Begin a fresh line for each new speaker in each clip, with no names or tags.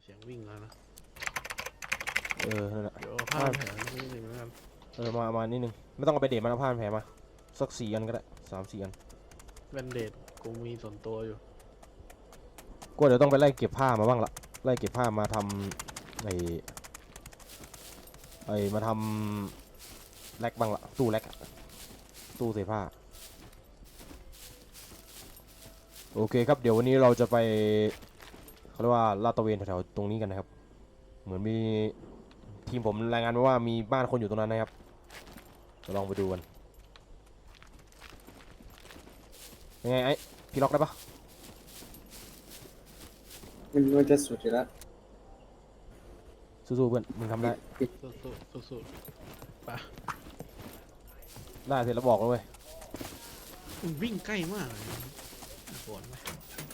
เสียงวิ่งแล้วนะ
นั่นแหละ
เดี๋ยวผ้าแผลนิดนึงแล้วกัน
มานิดนึงไม่ต้องเอาไปเดทมันเอาผ้าพันแผลมาสัก4 อันก็ได้3-4 อัน
แบนเดดกูมีส่วนตัวอยู่
กูเดี๋ยวต้องไปไล่เก็บผ้ามาบ้างละไล่เก็บผ้ามาทำมาทำแร็กบ้างละตู้แร็กตู้เสื้อผ้าโอเคครับเดี๋ยววันนี้เราจะไปเขาเรียกว่าลาดตระเวนแถวๆตรงนี้กันนะครับเหมือนมีทีมผมรายงานมาว่ามีบ้านคนอยู่ตรงนั้นนะครับจะลองไปดูกันยังไงไอ้พี่ล็อกได้ปะ
มันจะสุดอยู่แล้ว
สู้ๆเพื่อนมึงทำได้
สู้ไป
ได้เสร็จแล้วบอกเลยเว้ย
มันวิ่งใกล้มากเลยปวดไหม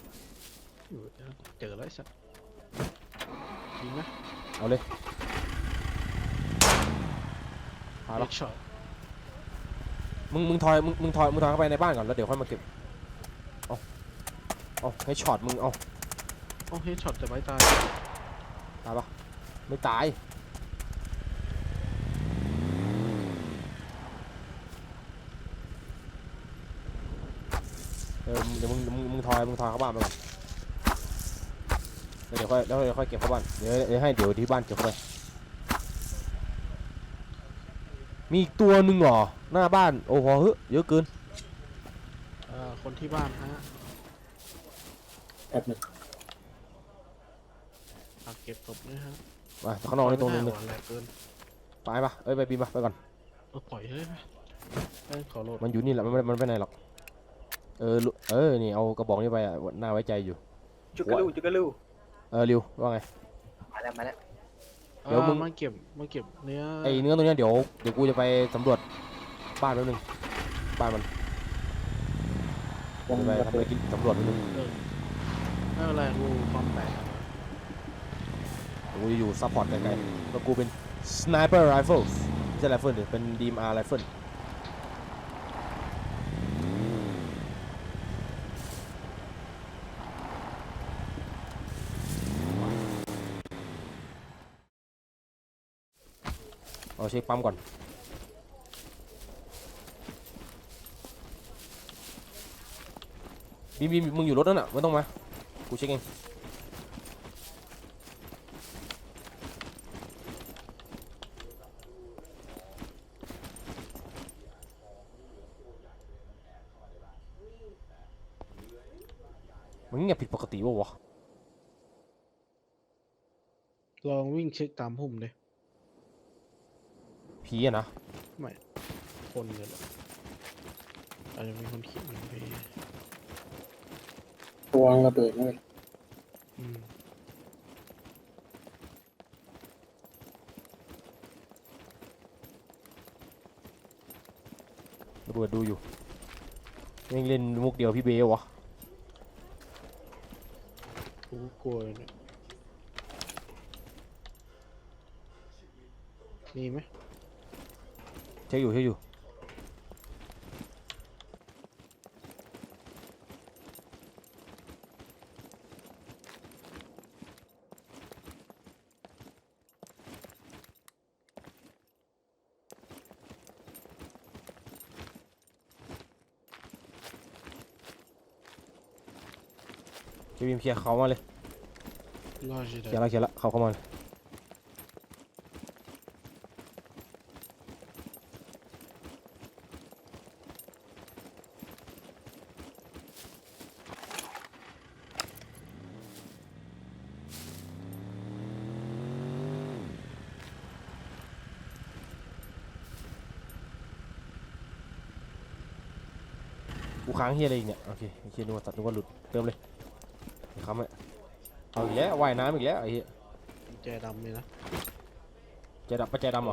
เจอแล้วสัตว์จริงไหม
เอาเลยพาล็อก
ช็อต
มึงถอยเข้าไปในบ้านก่อนแล้วเดี๋ยวค่อยมาเก็บเอาให้ช็อตมึงเอา
เฮดช็อตจะไม่ตาย
ปะไม่ตายเดี๋ยวมึงถอยเข้าบ้านไปก่อนเดี๋ยวค่อยเก็บเข้าบ้านเดี๋ยวให้ที่บ้านเก็บเข้าไปมีอีกตัวหนึ่งเหรอหน้าบ้านโอ้โหเยอะเกิน
คนที่บ้านฮะ
แอบหนึ่ง
เก็บศพด้วยฮะ
มาข้างนอกในตรงนึงไปปะไปบินไปก่อน
ปล่อยเลยขอโหลด
มันอยู่นี่แหละมันไปไหนหรอกนี่เอากระบอกนี้ไปน่าไว้ใจอยู่
จุกกะลู
ริวว่าไง
มาแล้ว
เดี๋ยวมึงมาเก็บเนื้อ
ตรงนี้เดี๋ยวกูจะไปสำรวจบ้านแป๊บนึงบ้านมันไปทำอะไรกินสำรวจแป๊บนึง
ไม่เป็นไรกูความแตก
กูอยู่ซัพพอร์ตไกลๆแล้วกูเป็น sniper rifles ไม่ใช่ rifle ดิเป็น DMR rifle เอาเช็คปั๊มก่อนบีมึงอยู่รถนั่นน่ะไม่ต้องมากูเช็คเองมันเงียบผิดปกติวะ
ลองวิ่งเช็คตามพุ่มเลย
ผีอะนะ
ไม่คนเลยหรออาจจะเป็นคนขี่มันไป
ตัวระเบิดเลย
ระเบิดดูอยู่ยังเล่นมุกเดียวพี่เบลวะ
กูกลัวเนี่ยมีไหม
เช็คอยู่จะบินเคลียร์เขามาเลยเคลียร์แล้วเขาเข้ามาเลยกูค้างเฮียอะไรอีกเนี่ยโอเคเฮียนึกว่าหลุดเติมเลยค้ำเลยเอาอีกแล้วว่ายน้ำอีกแล้วไอ้เหี้ย
แจดำเลยนะ
แจดำเหรอ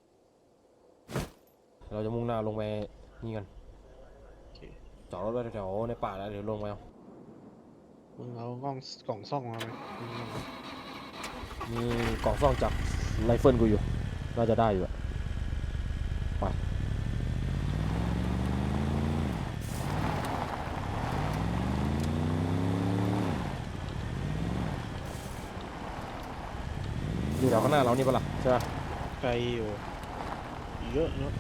เราจะมุ่งหน้าลงไปนี่กันจอดรถไว้แถวในป่าแล้วเดี๋ยวลงไปเอา
มึงเอากล่องซ่องมาไหม
มีกล่องซ่องจากไรเฟิลกูอยู่น่าจะได้อยู่ไปอยู่แถวข้างหน้าเรานี่ปะล่ะใช่ปะ
ไกลอยู่เยอะเนาะ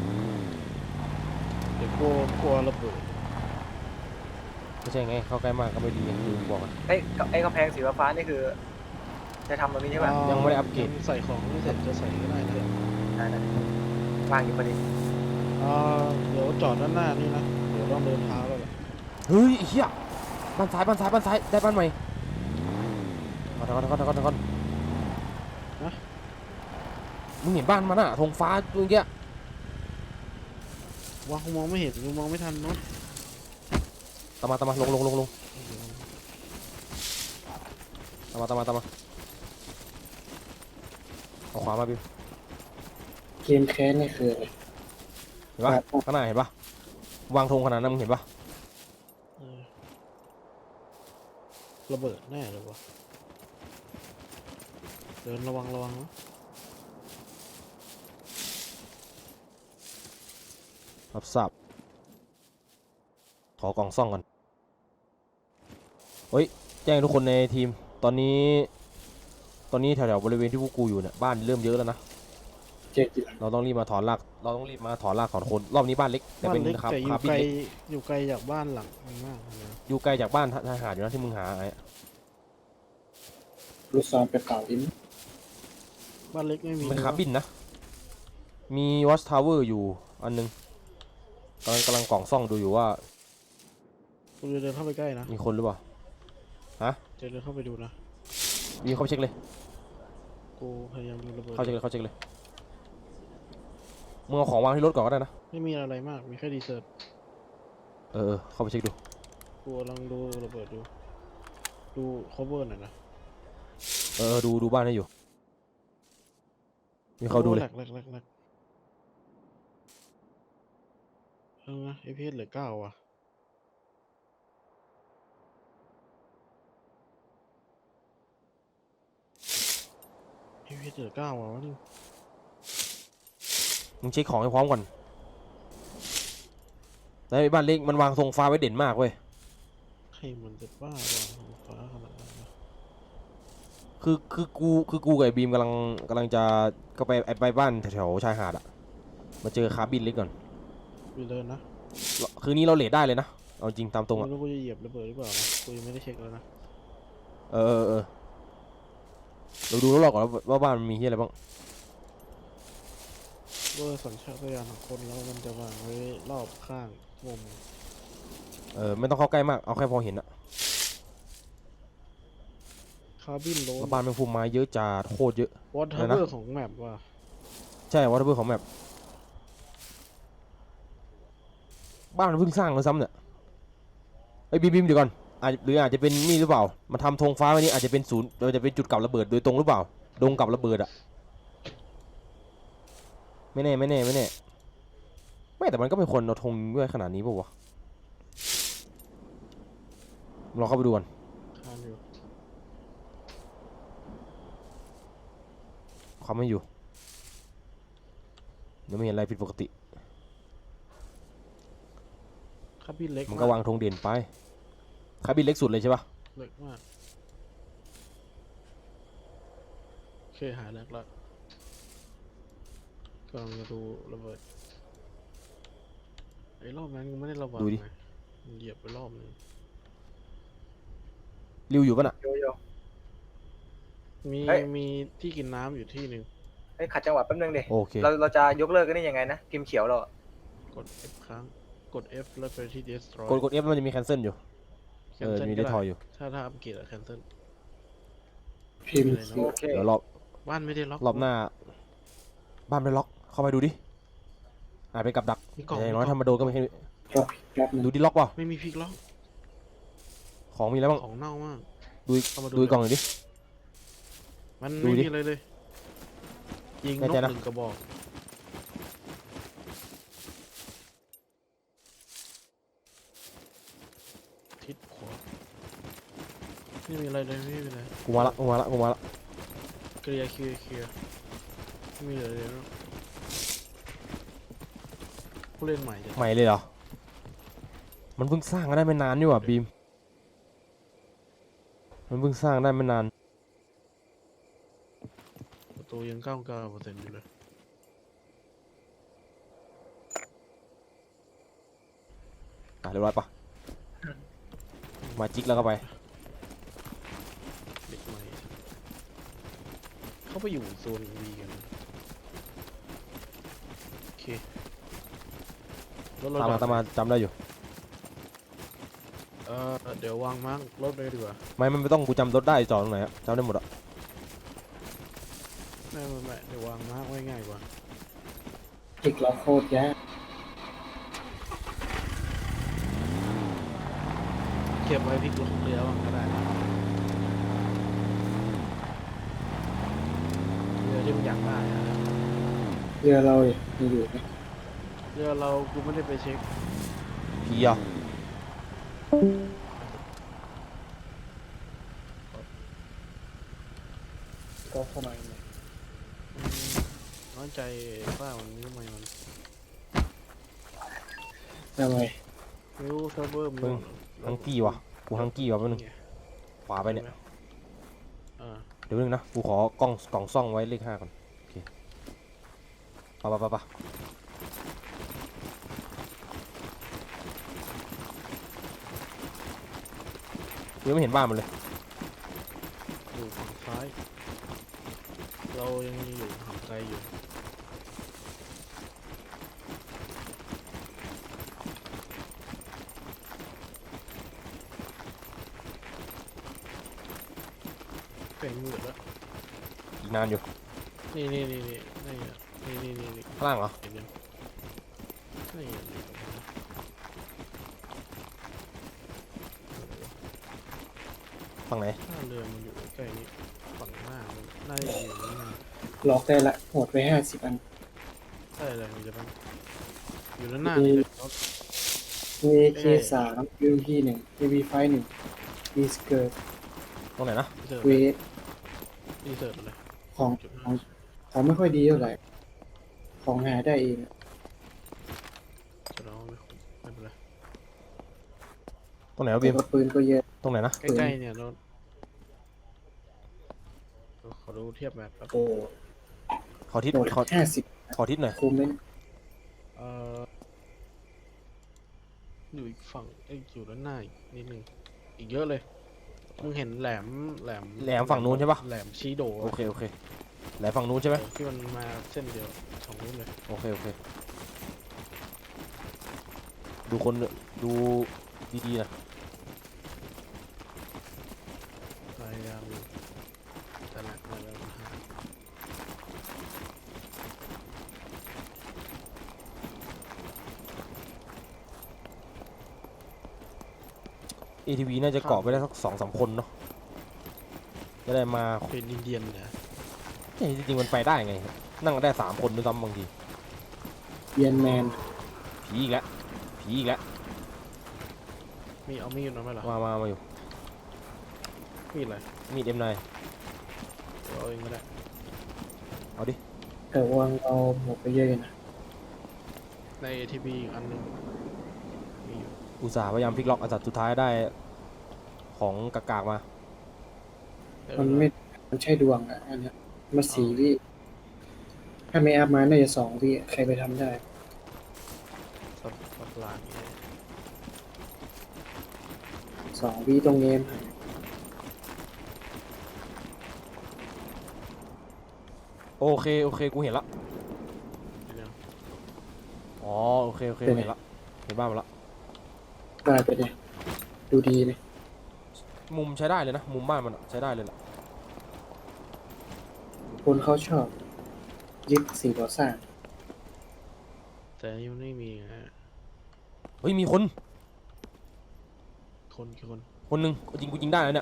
เดี๋ยวกลัวระเบิด
ไม่ใช่ไงเข้าใกล้มากก็ไม่ดีอย่างที่บอกอะ
ไอ้กำแพงสีฟ้าๆนี่คือ จะทำตรงนี้ใช่ป่ะ
ยังไม่ได้อัปเกรด
ยังใส่ของไม่เสร็จจะใส่ก็ได้นะ
ได้วางอยู่พอดี
เดี๋ยวจอดด้านหน้านี่นะเดี๋ยวต้องเดินเท้าแล้วแหละ
เฮ้ยไอ้เฮียบ้านซ้ายบ้านซ้ายบ้านซ้ายได้บ้านใหม่ก่อนมึงเห็นบ้านมันอะธงฟ้าตรงเนี้ย
ว่ากูมองไม่เห็นกูมองไม่ทันเนาะ
ตามมาลงตามมาเอาขวามาบิว
เกมแค้นนี่คืออะไร
เห็นปะข้างหน้าเห็นปะวางธงขนาดนั้นมึงเห็นปะ
เออระเบิดแน่เลยวะเดินระวังนะ
รับทราบขอกล่องซ่องก่อนเฮ้ยแจ้งทุกคนในทีมตอนนี้แถวๆบริเวณที่พวกกูอยู่เนี่ยบ้านเริ่มเยอะแล้วนะ
เจ๊กี่หลัง
เราต้องรีบมาถอนรากถอนคนรอบนี้บ้านเล็กแต่
บ้า
เป็น น
เล็ก
ครับ
แต่อ
คา
ยู่
บิ
ไก
น
ล
เล็ก
อยู่ไกลจากบ้านหลังมันมากเลยนะ
อยู่ไกลจากบ้านทหารอยู่นะที่มึงหาไอ้
ลูกซองไปเป่าอิน
บ้านเล็กไม่มี
เป็นคาบินนะมีวอชทาวเวอร์อยู่อันนึงกำลังกล่องซ่องดูอยู่ว่า
กูจะเดินเข้าไปใกล้นะ
มีคนหรือเปล่าฮะ
จะเดินเข้าไปดูนะ
มีเข้าไปเช็คเลย
กูพยายามดูระเบิด
เข้าเช็คเลยมึงเอาของวางที่รถก่อนก็ได้นะ
ไม่มีอะไรมากมีแค่ดีเซอร์
เข้าไปเช็คดู
กูกำลังดูระเบิดดู cover หน่อยนะ
ดูบ้านให้อยู่มีเขาดูเลย
แหลกนะไอพีเอสเหลือ9ว่ะไอพีเอสเหลือ9ว่ะวะนี่
มึงเช็คของให้พร้อมก่อนแล้วไอ้บ้านเล็กมันวางธงฟ้าไว้เด่นมากเว้ย
ใครมันจะบ้าว่ะฟ้าขนาดนั้นนะ
คือกูกับไอ้บีมกำลังจะก็ไปบ้านแถวๆชายหาดอะมาเจอคาร์บินเล็กก่อน
กูเดินนะ
คืนนี้เราเลทได้เลยนะเอาจริงตามตรงอะ
ไม่รู้กูจะเหยียบระเบิดหรือเปล่านะกูยังไม่ได้เช็คเลยนะ
เออเราดูแล้วเราก่อนว่าบ้านมันมีที่อะไรบ้าง
ด้วยสัญชาตญาณของคนแล้วมันจะวางไว้รอบข้างมุม
ไม่ต้องเข้าใกล้มากเอาแค่พอเห็นอะ
คาร์บินโลน
แล้วบ้านเป็นภูมิไม้เยอะจัดโคตรเยอะ
วอเตอร์เบอร์ของแมปว่ะ
ใช่วอเตอร์เบอร์ของแมปบ้านมันเพิ่งสร้างเลยซ้ำเนี่ยไอ้ยบีมเดี๋ยวก่อนหรืออาจจะเป็นนี่หรือเปล่ามาทำธงฟ้าไว้นี่อาจจะเป็นศูนย์จะเป็นจุดกลับระเบิดโดยตรงหรือเปล่าดงกลับระเบิดอะไม่แน่ไม่แต่มันก็เป็นคนเอาธงด้วยขนาดนี้ป่าวะลองเข้าไปดูก่อน
คานอยู่
ความไม่อยู่เดี๋ยวไม่เห็นอะไรผิดปกติ
คาร์บินเล็ก
มันก็วางธงเด่นไปคาบินเล็กสุดเลยใช่ปะ
เล็กมากโอเคหายแรกละกำลังจะดูระเบิดไอ้รอบนั้นกูไม่ได้ระวังไงเหยียบไปรอบนึง
ริวอยู่ปะน่ะ
โยโย่
มี
เฮ้ย
มีที่กินน้ำอยู่ที่หนึ่ง
เฮ้ยขัดจังหวะแป๊บนึงดิ
โอเค
เราจะยกเลิกกันได้ยังไงนะพิมพ์เขียวเราอะ
กด F ค้างกด F แล้วไปที่ destroy
กด F มันจะมี cancel อยู่
cancel
มี
ก็
ได้
ได้
ทอยอยู่
ถ้าอัปเกรดอะ cancel
พิมพ์
โอ
โอเค
เดี๋ยวรอบ
บ้านไม่ได้ล็อก
รอบหน้าบ้านไม่ล็อกเข้าไปดูดิอาจเป็นกับดัก
มีกล่อง
แต่อย่างน้อยถ้ามาโดนก็ไม่ให้
รอแป๊บนึง
ดูดิล็อกเปล่า
ไม่มีพลิกล็อก
ของมีอะไรบ้าง
ของเน่ามาก
ดู
เข้ามา
ดูกล่องหน่อยดิ
มัน
ดู
ไม่
ดิ
มีอะไรเลยยิงน
แน่
ก
ใจนะ
หนึ่งกระบอกทิศขวาไม่มีอะไรเลยไม่มีอะไร
กูมาละ
เคลียร์ไม่มีอะไรเลยเนอะผู้เล่นใหม่จะ
ใหม่เลยเหรอมันเพิ่งสร้างได้ไม่นานนี่หว่าบีมมันเพิ่งสร้างได้ไม่นาน
ตูยัง99%อยู่เลย
เรียบร้อยปะมาจิกแล้วก็ไป
เด็กใหม่เขาไปอยู่โซนวีกันโอเครถเรา
ตามมาจำได้อยู่
เดี๋ยววางมาร์กรถเลยดีกว่า
ไม่ต้องกูจำรถได้จอดตรงไหนอะจำได้หมดอะ
ไม่เดี๋ยววางมาร์กไว้ง่ายกว่า
จิกเราโคตรยาก
เก็บไว้พลิกลงเรือบ้างก็ได้นะเรือที่มันอยากได้นะ
เรือเราเนี่ยมีอยู่ไหม
เรือเรากูไม่ได้ไปเช็ค
พี่อะ
ก็เข้ามาเนี่ย
น้อยใจป้ามันนิ้วไม่มัน
ทำไม
นิ้วเซิร์ฟเวอร์มัน
ฮังกี้วะกูฮังกี้วะแป๊บนึงขวาไปเนี่ย เดี๋ยวนึงนะกูขอกล่องซ่องไว้เลข5ก่อนโอเคปะยังไม่เห็นบ้านมันเลย
อยู่ฝั่งซ้าย เรายังอยู่ห่างไกลอยู่เป็นมืดแล้ว
อีกนานอยู่
นี่
ข้างล่างเหรอ
เห็นยังนี่
ฝั่งไหน
ท่าเรือมันอยู่ใกล้นี้ฝั่งหน้ามันน่าจะอยู่นี่นะ
ล็อกได้ละหมดไป50 อัน
ใช่เลยมันจะต้องอยู่ด้านหน้านี่เลยรถ
AK3 UMP1 AV51 มีสเกิร์ต
ตรงไหนนะ
เสิร์ฟ
เวท
รีเสิร์ฟเลย
ของของไม่ค่อยดีเท่าไหร่ของหาได้เอง
จะร้องไม่เป็นไร
ตรงไหนวะ
แต่
บีม
ก็ปืนก็เยอะ
ตรงไหนนะ
ใกล้ๆเนี่ยรถขอดูเทียบแบบแป๊บ
โอ้
ขอทิศ
โหมด 50
ขอทิศหน่อย
คุ้มไหม
เอ่ออยู่อีกฝั่งอยู่ด้านหน้าอีกนิดนึงอีกเยอะเลยมึงเห็นแหลม
ฝั่งนู้นใช่ปะ
แหลมชีโด
โอเคไหนฝั่งนู้นใช่ไหม
ที่มันมาเส้นเดียวของนู้นเลย
โอเคดูคนดูดีๆนะ
พยายามอยู่แต่ละพยายามหา
ATV น่าจะเกาะไปได้สัก2-3 คนเนาะจะได้มา
เป็นอินเดียนเนี่ย
จริงๆมันไปได้ไง นั่งได้3 คนด้วยซ้ำบางที
เย็นแมน
ผีอีกแล้ว
มีเอามีดมาไหมล่ะ
มาอยู่
มีดอะไร
มีด M9
เอาเองก็ได้
เอาดิ
แต่วางเราหมดไปเยอะอยู่นะ
ใน ATV อีกอันหนึงมีอยู่
อุตส่าห์พยายามพลิกล็อกอันสุดท้ายได้ของกากๆมา
มันไม่มันใช่ดวงอ่ะอันเนี้ยมา4 วิถ้าไม่อัพมาน่าจะ2 วิใครไปทำได้
สับหลาดเนี่ย
2 วิตรงเนม
โอเคกูเห็นละ
เห็นยัง
อ๋อโอเคกูเห็นละเห็นบ้านมันละ
ได้ไปเลยดูดีเลย
มุมใช้ได้เลยนะมุมบ้านมันอะใช้ได้เลยล่ะ
คนเขาชอบยึดสิ่งก่อสร้าง
แต่ยังไม่มีฮะ
เฮ้ยมีคน
คน
หนึ่งกูยิงได้แล้วเนี่ย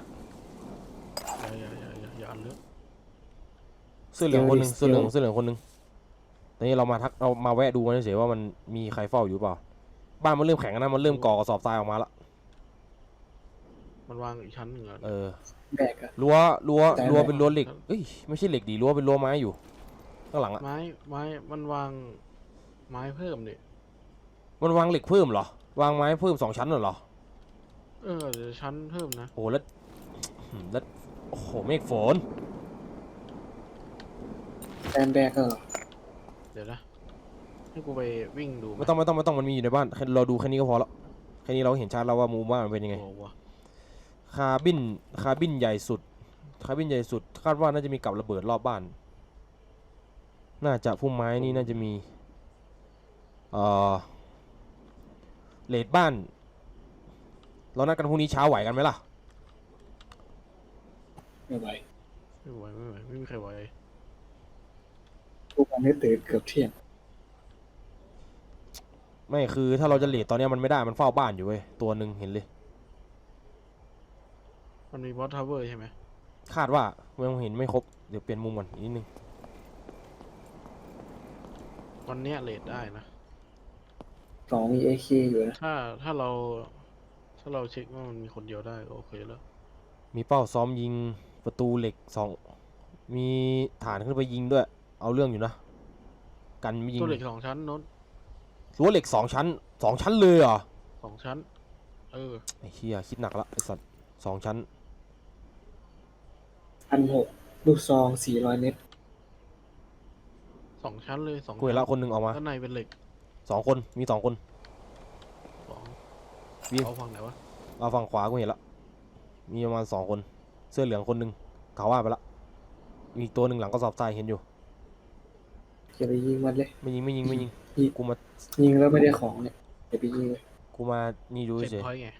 อย่าอันเลือก
เสื้อเหลืองคนหนึ่งคนหนึ่งตอนนี้เรามาแวะดูกันเฉยๆว่ามันมีใครเฝ้าอยู่เปล่าบ้านมันเริ่มแข็งแล้วนะมันเริ่มก่อกระสอบทรายออกมาละ
มันวางอีกชั้นหนึ่งอ่ะ
แบกอะ
รั้ว
แต่
เป็นรั้วเหล็กเอ้ยไม่ใช่เหล็กดีรั้วเป็นรั้วไม้อยู่ข้างหลังอะ
ไม้มันวางไม้เพิ่มดิ
มันวางเหล็กเพิ่มเหรอวางไม้เพิ่ม2 ชั้นเหรอ
เดี๋ยวชั้นเพิ่มนะ
โอ้แล้วโอ้โหเมฆฝน
แบนแบกก็เหรอ
เดี๋ยวนะให้กูไปวิ่งดูห
ไม่ต้องมันมีอยู่ในบ้านแค่เราดูแค่นี้ก็พอแล้วแค่นี้เราเห็นชัดแล้วว่ามุมบ้านมันเป็นยังไง
โอ้โห
คาบินใหญ่สุดคาดว่าน่าจะมีกับระเบิดรอบบ้าน น่าจะพุ่มไม้นี่น่าจะมีเลดบ้าน เรานัดกันพรุ่งนี้เช้าไหวกันไหมล่ะ
ไม่ไหว
ไม่มีใครไหว
ทุกวันนี้ตื่นเกือบเที่ยง
ไม่คือถ้าเราจะเลดตอนเนี้ยมันไม่ได้มันเฝ้าบ้านอยู่เว้ยตัวหนึ่งเห็นเลย
มันมีบอสทาวเวอร์ใช่ไหม
คาดว่ายังเห็นไม่ครบเดี๋ยวเปลี่ยนมุมก่อนอีกนิดนึง
วันเนี้ยเลทได้นะ
สองมีเอคอยู่นะ
ถ้าเราเช็คว่ามันมีคนเดียวได้ก็โอเคแล้ว
มีเป้าซ้อมยิงประตูเหล็ก2มีฐานขึ้นไปยิงด้วยเอาเรื่องอยู่นะกันไม่ยิง
ตัวเหล็ก2 ชั้นโน้น
รั้วเหล็ก2 ชั้นเลยเหรอ
2 ชั้น
ไอ้เหี้ยคิดหนักละไอ้สัตว์2 ชั้น
1,600ลูกซอง400 เมตร
2 ชั้นเลย2
กูเห็นละคนหนึ่งออกมา
ด้านในเป็นเหล็ก
2 คนมี2 คน
2
วิ่ง
เอาฝั่งไหนวะ
เอาฝั่งขวากูเห็นละมีประมาณ2 คนเสื้อเหลืองคนหนึ่งเขาว่าไปละมีอีกตัวหนึ่งหลังกระสอบทรายเห็นอยู่
อย่าไปยิงมันเลย
ไม่ยิง
ยิง
กูมา
ยิงแล้วไม่ได้ของเนี่ยอย่าไปยิงเลย
นี่ดู
เช็ค
เฉย
พอยต์ไง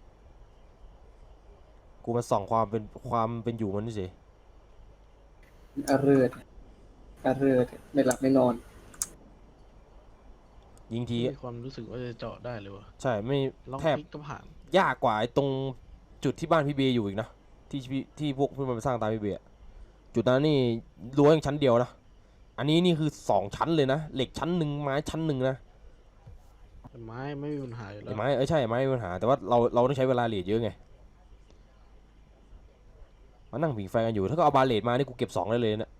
กูมาส่องความเป็นอยู่มันเฉย
อาเริดไม่หลับไม่นอน
ยิงที
มีความรู้สึกว่าจะเจาะได้เลยวะ
ใช่ไม่
ลอง
แทบ
คลิกก็ผ่าน
ยากกว่าไอ้ตรงจุดที่บ้านพี่เบย์อยู่อีกนะที่พวกเพื่อนมันไปสร้างตามพี่เบย์อะจุดนั้นนี่รั้วยังชั้นเดียวนะอันนี้นี่คือ2 ชั้นเลยนะเหล็กชั้นหนึ่งไม้ชั้นหนึ่งนะ
แต่ไม้ไม่มีปัญหาอยู่แล้
ไอ้
ว
ไม้ใช่ไม้ไม่มีปัญหาแต่ว่าเราต้องใช้เวลาเลดเยอะไงมานั่งผิงไฟกันอยู่ถ้าก็เอาบาเลดมานี่กูเก็บ2ได้เลยนะ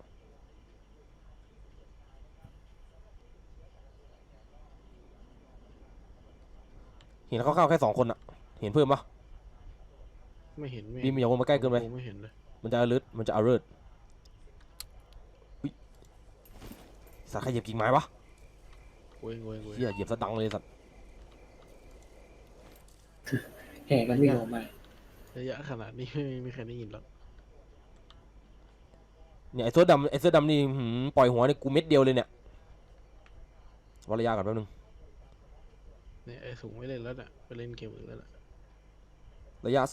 เห็นเขาเข้าแค่2 คนอะเห็นเพิ่มปะ
ไม่เห็น
บีมอย่าวนมาใกล้เกินไป
ไม่เห็นเลย
มันจะalert สัตว์ใครเหยียบกิ่งไม้ปะ
เว้ย
เฮียเหยียบซะดังเลยสัตว์
แห่กันวิ่งออกมา
ระยะขนาดนี้ไม่มีใครได้ยินหรอก
เนี่ยไอ้เสื้อดำนี่ปล่อยหัวนี่กูเม็ดเดียวเลยเนี่ยวัดระยะก่อนแป๊บนึง
เนี่ยไอ้สูงไม่เล่นแล้วเนี่ยไปเล่นเกมอื่นแล้วแหละ
ระยะ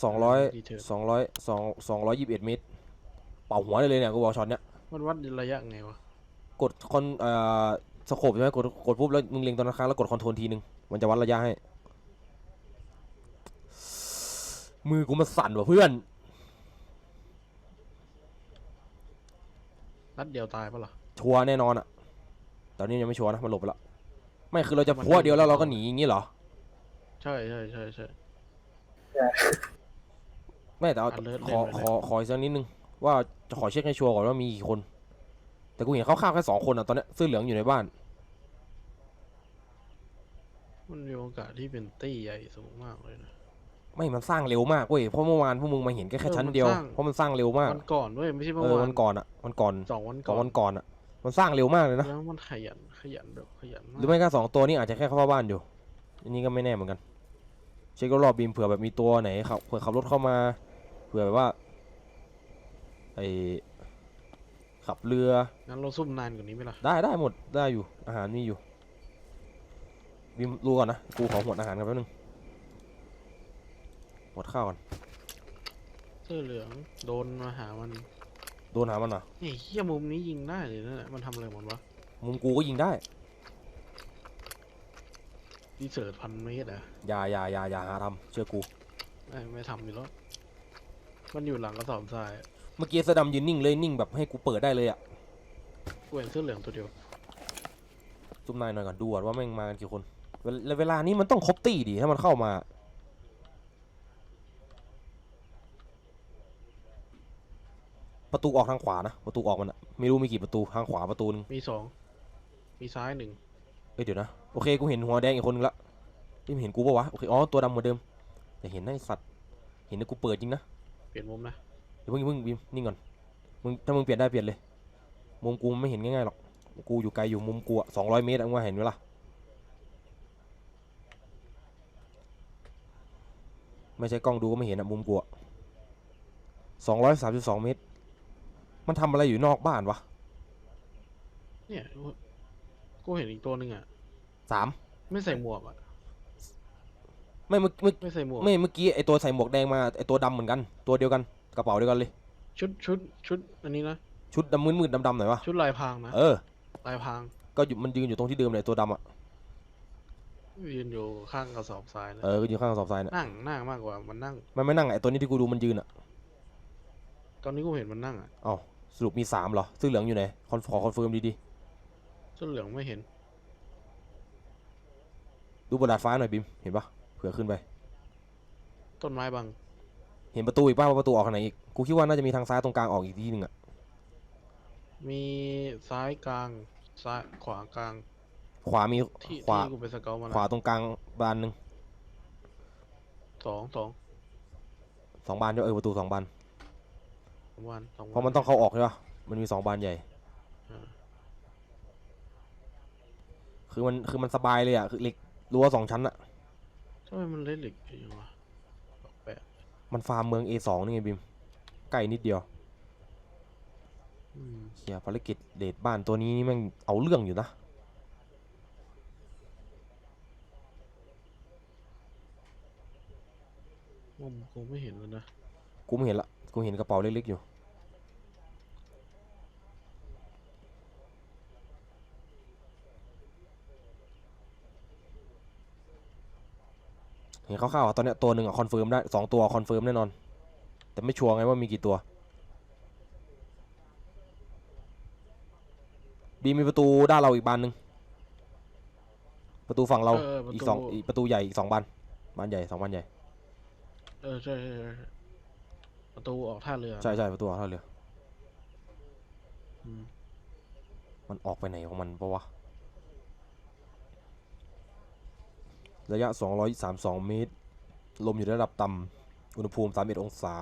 221 เมตรเป่าหัวได้เลยเนี่ยกูบอกช็อตเนี้ย
มันวัดระยะไงวะ
กดสโคปใช่ไหมกดปุ๊บแล้วมึงเล็งตอนนั้นครั้งแล้วกดคอนโทรลทีนึงมันจะวัดระยะให้มือกูมันสั่นว่ะเพื่อน
นัดเดียวตายปะล่ะ
ชัวร์แน่นอนอะตอนนี้ยังไม่ชัวร์นะมันหลบไปแล้วไม่คือเราจะพัวเดียวแล้วเราก็หนีอย่างงี้เหรอ
ใช่
ไม่แต่เอา
alert
ขอ
เล่นไปเลย
ขออีกสักนิดนึงว่าจะขอเช็คให้ชัวร์ก่อนว่ามีกี่คน แต่กูเห็นเขาฆ่าแค่2 คนอ่ะตอนเนี้ยเสื้อเหลืองอยู่ในบ้าน
มันมีโอกาสที่เป็นตี้ใหญ่สูงมากเลยนะ
ไม่มันสร้างเร็วมากเว้ยเพราะเมื่อวานพวกมึงมาเห็นแค่ชั้นเดียว
มันสร้าง
เพราะมันสร้างเร็วมาก
วันก่อนเว้ยไม่ใช่เมื่อ
วัน
วาน
ก่อนอ่ะวันก่อน
2 วัน
ส
ก่
อ
อง น
วันก่อนอ่ะมันสร้างเร็วมากเลยนะ
แล้วมันขยันแบบขยัน
หรือไม่ก็2 ตัวนี้อาจจะแค่เข้าบ้านอยู่อันนี้ก็ไม่แน่เหมือนกันเช็ครอบๆบีมเผื่อแบบมีตัวไหนขับเผื่อขับรถเข้ามาเผื่อแบบว่าไอขับเรือ
งั้นเราซุ่มนานกว่านี้ไหมล่ะ
ได้หมดได้อยู่อาหารมีอยู่บีมรู้ก่อนนะกูขอหมดอาหารกันแป๊บนึงหมดข้าวก่อน
เสื้อเหลืองโดนมาหามัน
โดนหามันเหรอ
เฮ้ยเฮียมุมนี้ยิงได้เลยนะมันทำอะไรมันวะ
มุมกูก็ยิงได้
ดีเซิร์ต1,000 เมตรอ่ะ
อย่าหาทำเชื่อกู
ไม่ทำอยู่แล้วมันอยู่หลังกระสอบทราย
เมื่อกี้เสื้อดำยืนนิ่งเลยนิ่งแบบให้กูเปิดได้เลยอะ
กูเห็นเสื้อเหลืองตัวเดียว
ซุ่มนายหน่อยก่อนดูก่อนว่าแม่งมากันกี่คนเวลานี้มันต้องครบตี้ดิถ้ามันเข้ามาประตูออกทางขวานะประตูออกมันอะไม่รู้มีกี่ประตูทางขวาประตูนึง
มี2มีซ้าย1
เดี๋ยวนะโอเคกูเห็นหัวแดงอีกคนนึงละนี่มันเห็นกูปะวะโอเคอ๋อตัวดำเหมือนเดิมแต่เห็นไอ้สัตว์เห็นนะกูเปิดจริงนะ
เปลี่ยนมุมนะ
เดี๋ยวเพิ่งบีมนิ่งก่อนถ้ามึงเปลี่ยนได้เปลี่ยนเลยมุมกูมันไม่เห็นง่ายๆหรอกกูอยู่ไกลอยู่มุมกูอะ200 เมตรมึงว่าเห็นไหมล่ะไม่ใช่กล้องดูก็ไม่เห็นอะมุมกูอะ232 เมตรมันทำอะไรอยู่นอกบ้านวะ
เนี่ยกูเห็นอีกตัวหนึ่งอ่ะ
3
ไม่ใส่หมวกอ่ะ
ไม่เมื่อ
ไม่ใส่หมวก
ไม่เมื่อกี้ไอตัวใส่หมวกแดงมาไอตัวดำเหมือนกันตัวเดียวกันกระเป๋าเดียวกันเลย
ชุดอันนี้นะ
ชุดดำมืดๆดำๆหน่อยวะ
ชุดลายพรางนะ
เออ
ลายพราง
ก็อยู่มันยืนอยู่ตรงที่เดิมเลยตัวดำอ่ะ
ยืนอยู่ข้างกระสอบทรายนะ
เออก็อยู่ข้างกระสอบทรายน่ะ
นั่งมากกว่ามันนั่ง
มันไม่นั่งไอตัวนี้ที่กูดูมันยืนอ่ะ
ตอนนี้กูเห็นมันนั่งอ่ะ
อ้าวสรุปมี3เหรอเสื้อเหลืองอยู่ไหนขอคอนเฟิร์มดี
เสื้อเหลืองไม่เห็น
ๆดูบนดาดฟ้าหน่อยบิมเห็นปะเผื่อขึ้นไป
ต้นไม้บัง
เห็นประตูอีกป่ะว่าประตูออกทางไหนอีกกูคิดว่าน่าจะมีทางซ้ายตรงกลางออกอีกทีนึงอ่ะ
มีซ้ายกลางซ้ายขวากลาง
ขวามี
ที่
ขวา
ที่กูไปสเกลมา
ขวาตรงกลางบานหนึ่ง
สอง
2 บานด้วยประตู2 บาน
วันสอง
เพราะมันต้องเข้าออกใช่ปะมันมี2 บานใหญ่ คือมันสบายเลยอ่ะคือเหล็กรั้ว2 ชั้นอ่ะ
ทำไมมันเล่นเหล็กอย่างวะแปลก
มันฟาร์มเมือง A2 นี่ไงบิมใกล้นิดเดียว
อืม
เฮียภารกิจเดทบ้านตัวนี้นี่แม่งเอาเรื่องอยู่นะ
มุมกูไม่เห็นแล้วนะ
กูไม่เห็นละกูเห็นกระเป๋าเล็กๆอยู่เห็นคร่าวๆอะตอนเนี้ยตัวหนึ่งอะคอนเฟิร์มได้2 ตัวคอนเฟิร์มแน่นอนแต่ไม่ชัวร์ไงว่ามีกี่ตัวบีมีประตูด้านเราอีกบานหนึ่งประตูฝั่งเราอีกอีกประตูใหญ่อีก2 บานบานใหญ่2 บานใหญ่
ใช่ประตูออกท่าเรือ
ใช่ประตูท่าเรือ
อืม
มันออกไปไหนของมันปะวะระยะ232 เมตรลมอยู่ระดับต่ำอุณหภูมิ31 องศา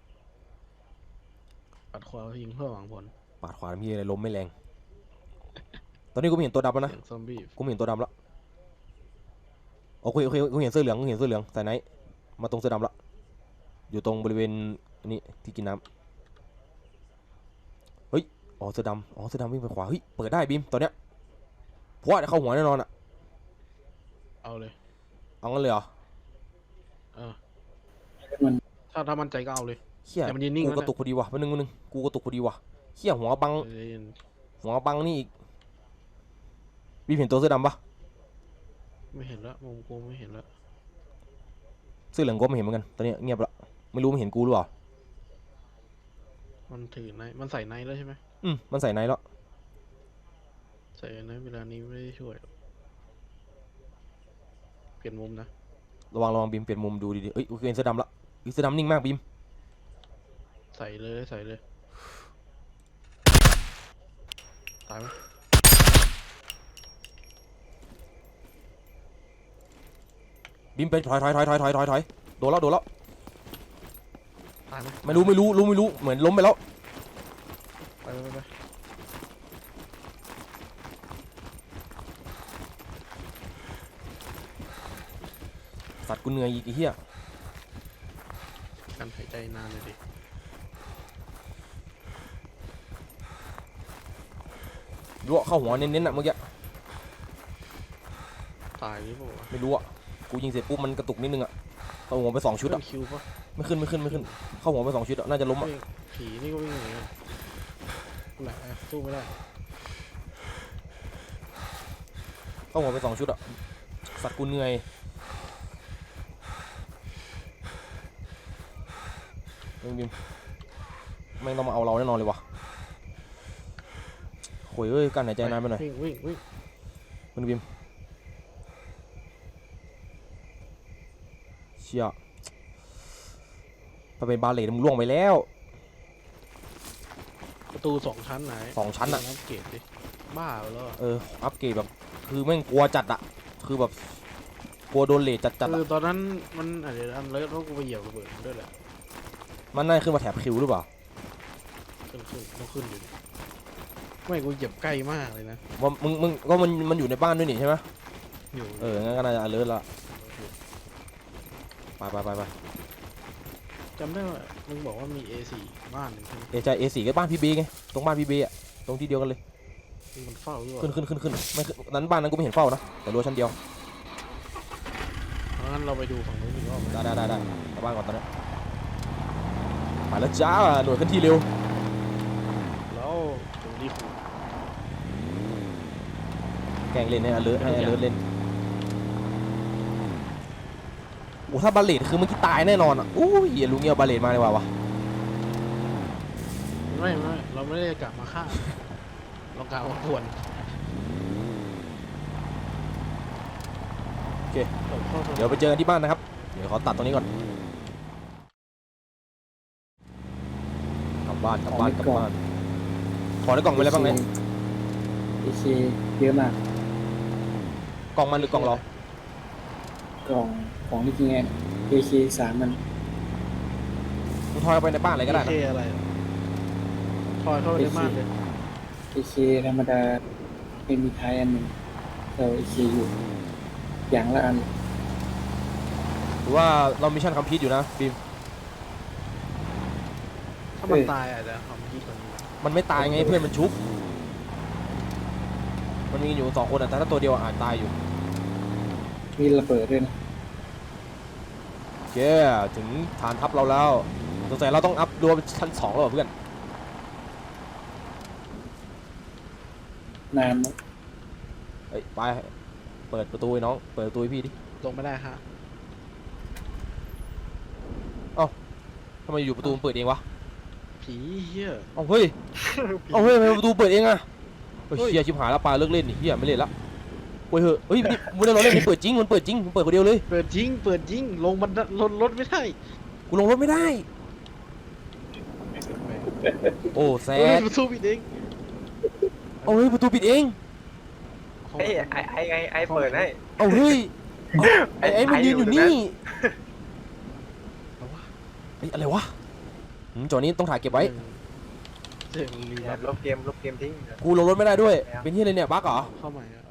ปัดขวายิงเพื่อหวังผล
ปาดขวาพี่อะไรลมไม่แรง ตอนนี้กูไม่เห็นตัวดำแล้วนะ
เสียงซอมบี้
กูไม่เห็นตัวดำแล้วโอเคกูเห็นเสื้อเหลืองใส่ไหนมาตรงเสื้อดำละอยู่ตรงบริเวณนี้ที่กินน้ำเฮ้ยเสื้อดำวิ่งไปขวาเฮ้ยเปิดได้บีมตอนเนี้ยเพราะว่าเข้าหัวแน่นอนอะ
เอาเลย
เอางั้นเลยเหรอ
เออ
มัน
ถ้ามั่นใจก็เอาเลย
เฮีย
แต่มันยืนนิ่ง
กู
แล้ว
กระตุกพอดีว่ะวันนึงกูกระตุกพอดีว่ะเฮียหัวบัง
ใจเย็น
นี่อีกบีมเห็นตัวเสื้อดำปะ
ไม่เห็นแล้วมุมกูไม่เห็นแล้ว
เสื้อเหลืองก็ไม่เห็นเหมือนกันตอนนี้เงียบละไม่รู้มันเห็นกูหรือเปล่า
มันถือไนท์มันใส่ไนท์แล้วใช่ไหม
มันใส่ไหนแล้ว
ใส่ไนท์เวลานี้ไม่ได้ช่วยหรอกเปลี่ยนมุมนะ
ระวังบีมเปลี่ยนมุมดูดีๆเอ้ยกูเห็นเสื้อดำละเสื้อดำนิ่งมากบีม
ใส่เลยตายไหม
บีมไปถอยโดนแล้ว
ตายไหม
ไม่รู้เหมือนล้มไปแล้ว
ไป
สัตว์กูเหนื่อยอีกไอ้เหี้ย
การหายใจนานเลยดิ
ดูเข้าหัวเน้นๆอะเมื่อกี้
ตายหรือเปล่าวะ
ไม่รู้อะกูยิงเสร็จปุ๊บมันกระตุกนิดนึงอะเข้าหัวไป2 ชุดอะ
เป็นคิวปะ
ไม่ขึ้นเข้าหัวไป2 ชุดอะน่าจะล้มอะ
วิ่งผีนี่ก็วิ่งอย่างเงี้ยแหละสู้ไม่ได้
เข้าหัวไป2 ชุดอะสัตว์กูเหนื่อยบิมแม่งต้องมาเอาเราแน่นอนเลยวะโหยเอ้ยการหายใจนานไปหน่อย
วิ่ง
คุณบิมเชี่ยถ้าเป็นบาเลตมันล่วงไปแล้ว
ประตู2 ชั้นไหน
2 ชั้นอะ
อัปเกรดดิบ้าไปแล้วอะ
อัปเกรดแบบคือแม่งกลัวจัดอะคือแบบกลัวโดนเลทจัด
คือ
อะ
ตอนนั้นมันอะไรอันเลิศเพราะกูไปเหยียบระเบิดมันด้วยแหละ
มันน่าขึ้นมาแถบคิวหรือเปล่า
ขึ้นต้องขึ้นอยู่ดิไม่กูเหยียบใกล้มากเลยนะ
ว่ามึงก็มันอยู่ในบ้านด้วยนี่ใช่ไหม
อยู่
งั้นก็น่าจะalertละไป
จำได้ว่ามึงบอกว่ามี A4 บ้านหนึ่งใช่ไหม
ใจ A4 ก็บ้านพี่เบไงตรงบ้านพี่เบอ่ะตรงที่เดียวกันเลย
ที่มันเฝ้าด้วย
ขึ้นไม่ขึ้นนั้นบ้านนั้นกูไม่เห็นเฝ้านะแต่รั้วชั้นเดียว
งั้นเราไปดูฝั่งนู้นอีกรอบไหม
ได้กลับบ้านก่อนตอนนี้ไปแล้วจ้าหน่วยขึ้นที่เร็ว
แล้วตรงนี้คือ
แกล้งเล่นให้alertเล่นโอ้ถ้าบาเลตคือเมื่อกี้ตายแน่นอนอ่ะอู้ยอย่าลุงเงี้ยบาเลตมาเลยว่ะ
ไม่เราไม่ได้กลับมาฆ่าเรากลับมาป่วน
โอเคเดี๋ยวไปเจอกันที่บ้านนะครับเดี๋ยวขอตัดตรงนี้ก่อนกลับบ้านขอในกล่องมีอะไรบ้างเนี่ย
AK เยอะมาก
กล่องมันหรือกล่องเรา
กล่องของนี่จริงไง AK 3มัน
มึงทอยเอาไปในบ้านอะไรก็ได้นะ
เคอะไรอะทอยเข้าไปในบ้านเลย
AK ธรรมดาไม่มีท้ายอันหนึ่งเรา AK อยู่อย่างละอัน
หรือว่าเรามิชชั่นคัมพีทอยู่นะบีม
ถ้ามันตายอาจจะทำดีกว่านี้
มันไม่ตายไงเพื่อนมันชุบมันมีอยู่2 คนแต่ถ้าตัวเดียวอาจตายอยู่
มีระเบิดด้วยนะ
โอเคถึงฐานทัพเราแล้วสงสัยเราต้องอัพดัวเป็นชั้น2แล้วเหรอเพื่อน
นานนะ
เฮ้ยไปเปิดประตูให้น้องเปิดประตูให้พี่ดิ
ลงไม่ได้ฮะ
ทำไมอยู่ประตูมันเปิดเองวะ
ผีเฮีย
เอาเฮ้ยทำไมประตูเปิดเองอะเฮ้ยเฮียชิบหายแล้วปลาเลิกเล่นนี่เฮียไม่เล่นละเว้ยเฮ้ยนี่ไม่ได้ล้อเล่นมันเปิดจริงมันเปิดคนเดียวเลย
เปิดยิงลงมันรถไม่ได้
กูลงรถไม่ได้โอ้แซด
ประตูปิดเอง
เอาเฮ้ยประตูปิดเอง
เฮ้ยไอ้เปิดให้
เอาเฮ้ยไอ้มันยืนอยู่นี่ไอ้อะไรวะจอนี้ต้องถ่ายเก็บไว้
เสียงรี
เนี่ยลบเกมทิ้ง
กูลงรถไม่ได้ด้วยเป็นที่อะไรเนี่ยบั๊กเหรอ
เข้าใหม่อะ